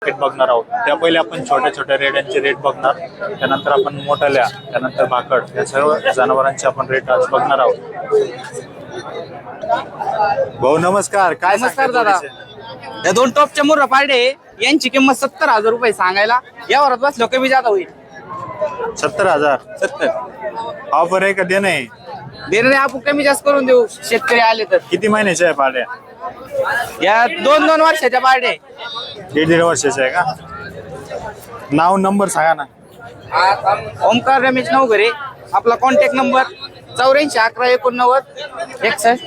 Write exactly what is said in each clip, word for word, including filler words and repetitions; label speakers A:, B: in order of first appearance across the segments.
A: Rate बघणार आहोत. त्या पहिले आपण छोट्या छोट्या रेड्यांचे रेट बघणार, त्यानंतर आपण मोठाल्या, त्यानंतर भाकड या सर्व जनावरांचे आपण रेट आज बघणार आहोत. भाऊ नमस्कार. काय
B: नमस्कार
A: सांगता
B: दादा.
A: जोडीचे?
B: या दोन टॉपच्या मुर्रा पारडे यांची किंमत सत्तर हजार रुपये सांगायला, यावरात बसलो कमी जादा होईल.
A: सत्तर हजार
B: सत्तर
A: ऑफर आहे का देणं आहे?
B: देणारे आपण कमी जास्त करून देऊ शेतकरी आले तर.
A: किती महिन्याच्या आहे पाड्या?
B: या दोन दोन वर्षाच्या पारडे.
A: दीड दीड वर्षाच्या आहे का? नाव नंबर सांगा ना.
B: ओमकार रमेश नवघरे. आपला कॉन्टॅक्ट नंबर चौऱ्याऐंशी अकरा एकोणनव्वद एकसष्ट.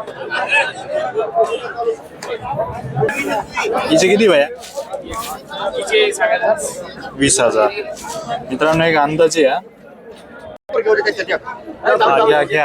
A: हिचे किती भया? वीस हजार. मित्रांनो एक अंदाजे हा. हा, घ्या घ्या.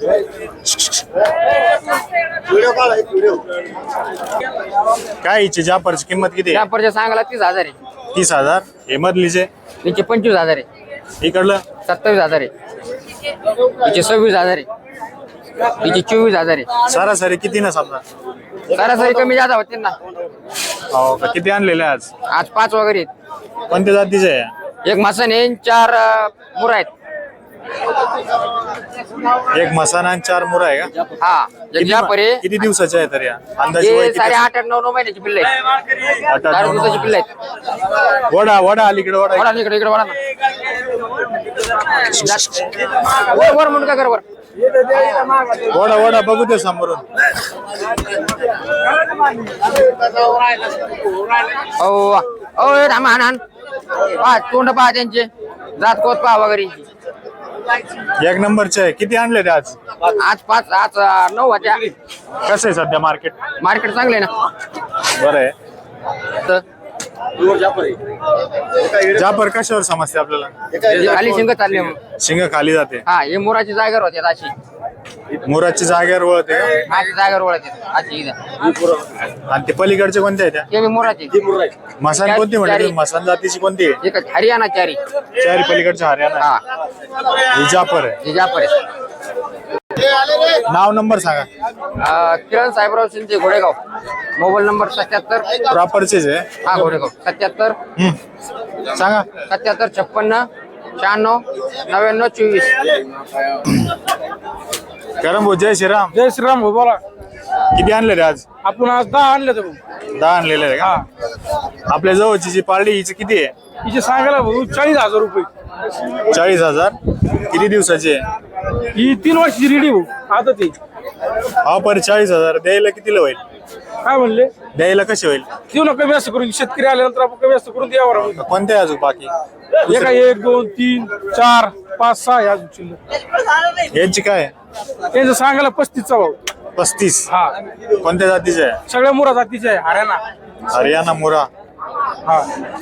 A: काय हिची जाफरची किंमत किती आहे?
B: व्यापारच्या सांगायला तीस हजार आहे.
A: तीस हजार. हे मधलीचे
B: तिचे पंचवीस हजार आहे.
A: इकडलं
B: सत्तावीस हजार आहे. तिचे सव्वीस हजार आहे. तिचे चोवीस हजार आहे.
A: सरासरी किती ना समजा?
B: सरासरी कमी जादा होते ना.
A: हो का? किती आणलेले आज?
B: आज पाच वगैरे आहेत.
A: कोणत्या जातीचे आहे?
B: एक मसन आहे, चार मुरा आहेत.
A: एक मसाना आणि चार मुरा आहे का?
B: हा
A: किती
B: जाफर आहे.
A: किती दिवसाचे आहे तर या अंदाजे वय
B: हे
A: किती?
B: साडे आठ आठ नऊ नऊ महिन्याची पिल्ले आहेत.
A: आठ आठ
B: चार
A: नऊ
B: दिवसाची
A: नऊ.
B: पिल्ले आहेत.
A: वडा वडा अलीकडे वडा
B: वळा ना इकडे इकडे वळा ना. वर वर म्हणून काय कर वर.
A: वडा वडा बघू दे समोरून.
B: ओ ओ थांबा हाण हाण. पहा तोंड पहा त्यांचे, जात कोत पहा वगैरे.
A: एक नंबरचे आहे. किती आणले ते आज?
B: आज पाच आज अं, नऊ होत्या.
A: कसं आहे सध्या मार्केट?
B: मार्केट चांगले ना.
A: बरं आहे.
B: तर
A: जाफर कशावर समजते आपल्याला?
B: खाली शिंग चालले मग.
A: शिंग खाली जाते.
B: हा हे मोराची जागेवर होते अशी.
A: मुराची जागेवर वळते का?
B: अशी जागेवर वळते अशी इथं.
A: आणि ते पलीकडचे कोणते आहे त्या?
B: ते बी मोराची.
A: मसान कोणती म्हणते? मसान जातीची कोणती आहे?
B: एकच हरियाणा चारी.
A: चारी पलीकडच्या हरियाणा
B: हा
A: आहे. ही जाफर आहे.
B: हे जाफर आहे.
A: नाव नंबर सांगा.
B: अं, किरण साहेबराव शिंदे घोडेगाव. मोबाईल नंबर सत्याहत्तर.
A: प्रॉपरचेच आहे.
B: हा घोडेगाव सत्याहत्तर
A: हम्म. सांगा.
B: सत्याहत्तर छप्पन्न शहाण्णव नव्याण्णव चोवीस.
A: करम भाऊ जय श्रीराम.
C: जय श्रीराम भाऊ बोला.
A: किती आणले रे आज?
C: आपण आज दहा आणले तर भाऊ.
A: दहा आणलेले आहे का? आपल्या जवळची जी पार्टी हिची किती आहे?
C: हिचे सांगायला भाऊ चाळीस हजार रुपये.
A: चाळीस हजार. किती दिवसाची आहे?
C: ही तीन वर्षाची रेडी भाऊ. आता ते
A: हा पर चाळीस हजार द्यायला कितीला होईल?
C: काय म्हणले
A: द्यायला कशी होईल?
C: देऊ ना कमी जास्त करून. शेतकरी आल्यानंतर आपण कमी जास्त करून द्यावर.
A: कोणत्या अजून बाकी?
C: एका एक दोन तीन चार पाच सहा या शिल्लक.
A: यांची काय?
C: त्यांचं सांगायला पस्तीसचा भाऊ.
A: पस्तीस.
C: हा
A: कोणत्या जातीचे आहे?
C: सगळ्या मुरा जातीचे आहे. हरियाणा.
A: हरियाणा मुरा.
C: हा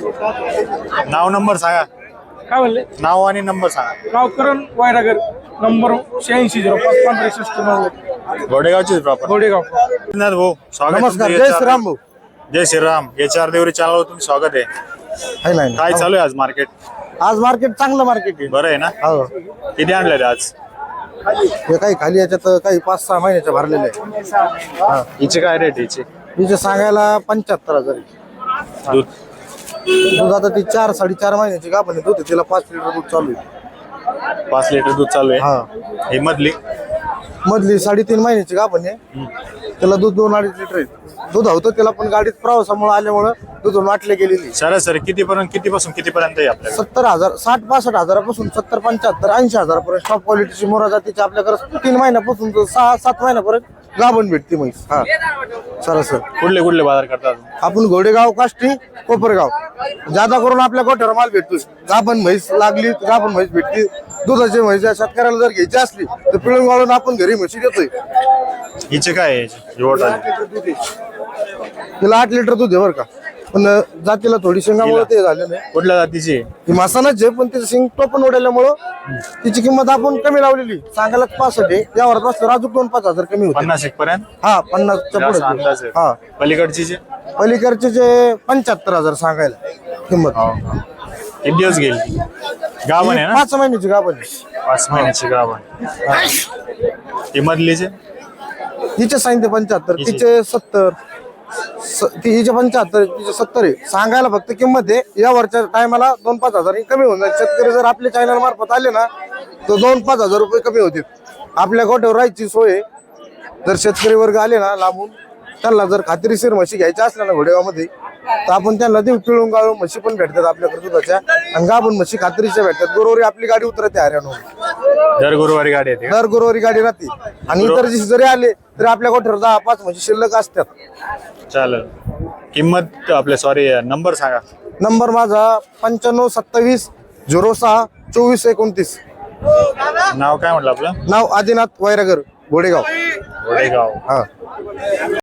A: नाव नंबर सांगा.
C: काय म्हणले
A: नाव आणि नंबर सांगा.
C: नाव करण वायरागर. नंबर शहाऐंशी झिरो पाच पंधरा एकसष्ट नव्वद.
A: घोडेगावचे प्रॉपर.
C: घोडेगाव.
A: भाऊ स्वागत.
D: नमस्कार.
A: तुमचं
D: जय
A: याच्यावर-
D: श्रीराम भाऊ.
A: जय श्रीराम. याच्या चार देवरी चॅनलवर तुमचं स्वागत आहे.
D: है ना, है ना.
A: काय चालू आहे आज मार्केट?
D: आज मार्केट चांगलं मार्केट आहे.
A: बरं आहे ना?
D: हो.
A: किती आणले रे आज?
D: हे काही खाली याच्यात काही पाच सहा महिन्याच्या भरलेले आहे. हा.
A: हिचे काय रेट हिचे?
D: हिचे सांगायला पंच्याहत्तर हजार आहे.
A: दूध
D: दूध आता ती चार साडेचार महिन्याची का पण दूध आहे, तिला पाच लिटर दूध चालू आहे.
A: पाच लिटर दूध चालू आहे.
D: हा.
A: ही मधली
D: मधली साडेतीन महिन्याची का पण त्याला दूध दोन अडीच लिटर आहे. दूध होतं त्याला पण गाडीत प्रवासामुळे आल्यामुळं दूध वाटले गेलेली.
A: सरासरी किती पर्यंत किती पासून किती पर्यंत आहे आपल्याकडे?
D: सत्तर हजार साठ पासष्ट हजारापासून सत्तर पंच्याहत्तर ऐंशी हजारापर्यंत टॉप क्वालिटीची मोरा जातीची आपल्याकडे तीन महिन्यापासून तर सहा सात महिन्यापर्यंत गाभण भेटते म्हैस. हा सरासर
A: कुठले कुठले बाजार करतात?
D: आपण घोडेगाव काष्टी कोपरगाव जादा करून आपल्या गोठ्यावर माल भेटतो. गाभण म्हैस लागली गाभण म्हैस भेटली. दुधाची म्हैस या शेतकऱ्याला जर घ्यायची असली तर पिळून वाळून आपण घरी म्हशी देतोय.
A: हिचे काय आहे? हिवट आली.
D: तिला आठ लिटर दूध आहे बरं का, पण जातीला थोडी शेंगामुळे ते झालं नाही.
A: कुठल्या जातीची आहे?
D: ती मासानच आहे पण तिचं शिंग टोपण उडाल्यामुळं तिची किंमत आपण कमी लावलेली. सांगायला पासष्ट आहे. यावर बसलं अजून दोन पाच हजार कमी होते.
A: पन्नास एक पर्यंत.
D: हा पन्नासच्या
A: असा अंदाज
D: पुढे.
A: आहे.
D: हा
A: पलीकडची जे
D: पलीकडचे जे पंच्याहत्तर हजार सांगायला किंमत.
A: किती दिवस गेली? गाभण आहे ना?
D: पाच महिन्याची गाभण आहे.
A: पाच महिन्याची गाभण. ही मधलीचे
D: तिचे सांगितले पंच्याहत्तर.
A: हिचे?
D: तिचे सत्तर स- ती हिचे पंच्याहत्तर तिचे सत्तर आहे. सांगायला फक्त किंमत आहे. या वरच्या टायमाला दोन पाच हजार कमी होऊन जाईल. शेतकरी जर आपल्या चॅनल मार्फत आले ना तर दोन पाच हजार रुपये कमी होतील. आपल्या गोठ्यावर राहायची सोय आहे. जर शेतकरी वर्ग आले ना लांबून, त्यांना जर खात्रीशीर म्हशी घ्यायच्या असल्या ना घोडेगावमध्ये तर आपण त्यांना देऊ. पिळून गाळून म्हशी पण भेटतात आपल्याकडे दुधाच्या, आणि गाभण म्हशी खात्रीच्या भेटतात. गुरुवारी आपली गाडी उतरते हरियाणा,
A: दर गुरुवारी गाडी येते का?
D: दर गुरुवारी गाडी राहते. आणि इतर दिवशी जरी आले तरी आपल्या गोठ्यावर दहा पाच म्हशी शिल्लक असतात.
A: चालेल. किंमत आपल्या सॉरी नंबर सांगा.
D: नंबर माझा पंच्याण्णव सत्तावीस झिरो सहा चोवीस एकोणतीस.
A: नाव काय म्हटलं आपलं?
D: नाव आदिनाथ वैरागर, घोडेगाव.
A: घोडेगाव.
D: हा.